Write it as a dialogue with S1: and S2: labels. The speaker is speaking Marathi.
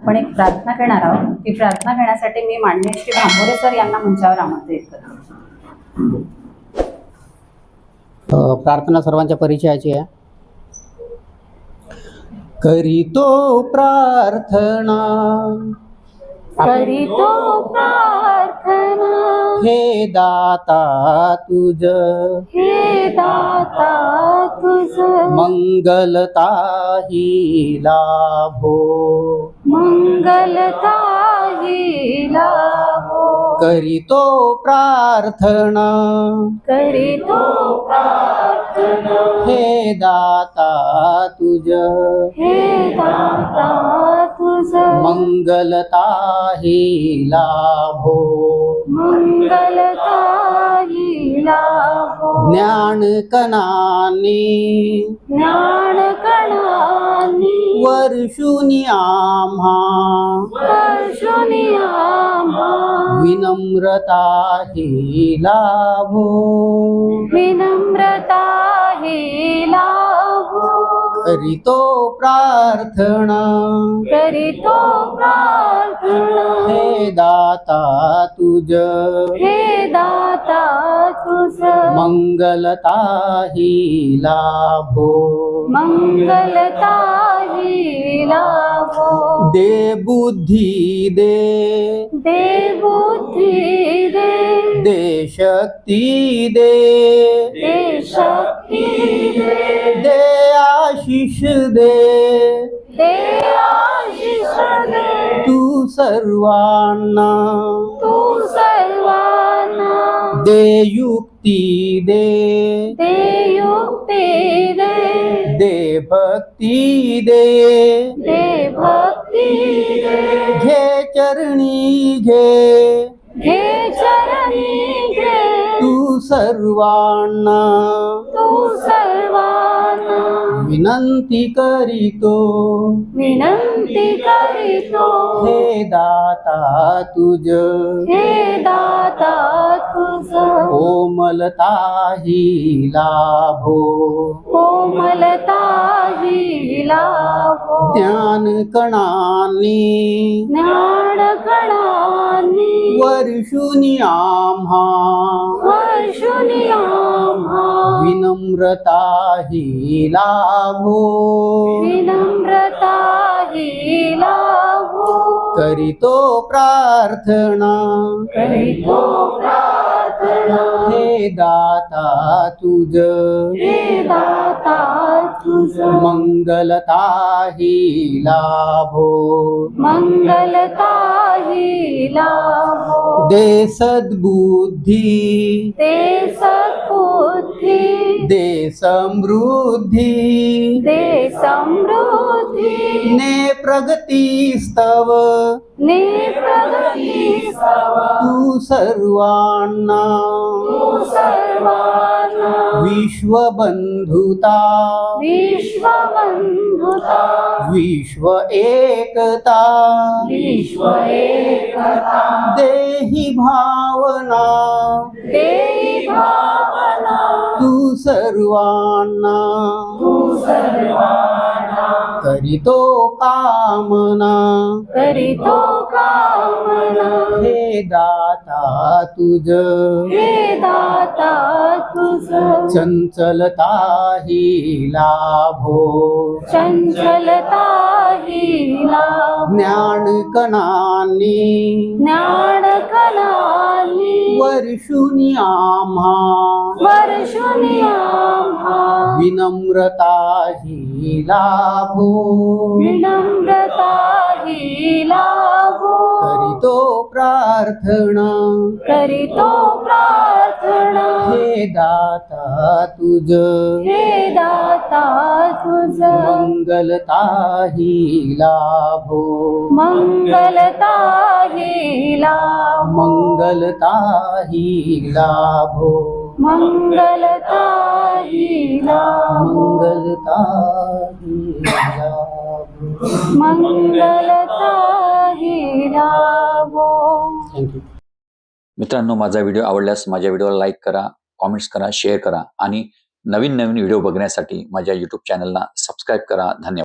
S1: आपण एक प्रार्थना करणार आहोत. ती प्रार्थना करण्यासाठी मी माननीय श्री भांबोरे सर यांना मंचावर आमंत्रित करतो.
S2: प्रार्थना सर्वांच्या परिचयाची आहे. करीतो प्रार्थना,
S1: करीतो प्रार्थना,
S2: हे दाता तुझ,
S1: हे दाता तुझ,
S2: मंगलता ही लाभो,
S1: मंगलता ही लाभो.
S2: करीतो प्रार्थना,
S1: करीतो प्रार्थना,
S2: हे दाता तुझ,
S1: हे दाता तुझ,
S2: मंगलता ही लाभो,
S1: मंगलता ही लाभो.
S2: ज्ञान कणानी
S1: ज्ञान कणानी
S2: वर्षुनी आम्हा,
S1: वर्षुनी आम्हा,
S2: विनम्रता ही लाभो,
S1: विनम्रता ही लाभो.
S2: करीतो प्रार्थना,
S1: करीतो प्रार्थना,
S2: हे दाता तुझ,
S1: हे दाता तुझ,
S2: मंगलता ही लाभो,
S1: मंगलता ही लाभो.
S2: दे बुद्धी दे,
S1: दे बुद्धी दे,
S2: दे शक्ती दे,
S1: दे शक्ती दे,
S2: दे आशीष दे,
S1: दे आशीष दे.
S2: तू सर्वांना,
S1: तू सर्वांना
S2: दे युक्ती दे,
S1: दे युक्ती दे,
S2: दे भक्ती दे,
S1: दे भक्ती दे.
S2: घे चरणी घे,
S1: घे चरणी घे,
S2: तू सर्वांना,
S1: तू सर्वांना
S2: विनंती करीतो,
S1: विनंती करीतो.
S2: हे दाता तुझ,
S1: हे दाता तुझ,
S2: कोमलता ही लाभो,
S1: कोमलता ही लाभो.
S2: ज्ञान कणानी
S1: ज्ञान कणानी
S2: वर्षुनी आम्हा,
S1: वर्षुनी आम्हा,
S2: विनम्रता ही लाभो,
S1: विनम्रता ही लाभो.
S2: करीतो प्रार्थना,
S1: करीतो प्रार्थना,
S2: हे दाता तुझ,
S1: हे दाता तुझ,
S2: मंगलता ही लाभो,
S1: मंगलता ही लाभो.
S2: दे सद्बुद्धी,
S1: दे सद्बुद्धी,
S2: दे समृद्धी,
S1: दे समृद्धी,
S2: ने प्रगती स्तव,
S1: ने प्रगती स्तव.
S2: तू सर्वांना,
S1: तू सर्वांना
S2: विश्वबंधुता,
S1: विश्वबंधुता,
S2: विश्व एकता,
S1: विश्व एकता,
S2: देहि भावना,
S1: देहि भावना,
S2: तू सर्वांना,
S1: तू सर्वांना
S2: करीतो कामना,
S1: करीतो कामना.
S2: हे दाता तुझ,
S1: हे दाता तुझ,
S2: चंचलता ही लाभो,
S1: चंचलता ही लाभो.
S2: ज्ञान कणानी
S1: ज्ञान कणानी
S2: वर्षुनी आम्हा,
S1: वर्षुनी आम्हा,
S2: विनम्रता ही लाभो,
S1: विनम्रता ही लाभो.
S2: करीतो प्रार्थना,
S1: करीतो प्रार्थना,
S2: हे दाता तुझ,
S1: हे दाता तुझ,
S2: मंगलता ही लाभो,
S1: मंगलता ही लाभो,
S2: मंगलता ही लाभो,
S1: मंगलता ही लाभो,
S2: मंगलता ही लाभो.
S1: मंगलता ही लाभो.
S2: थँक्यू.
S3: मित्रांनो, माझा व्हिडिओ आवडल्यास माझ्या व्हिडिओला लाईक करा, कॉमेंट्स करा, शेअर करा आणि नवीन नवीन व्हिडिओ बघण्यासाठी माझ्या YouTube चॅनलला सबस्क्राईब करा. धन्यवाद.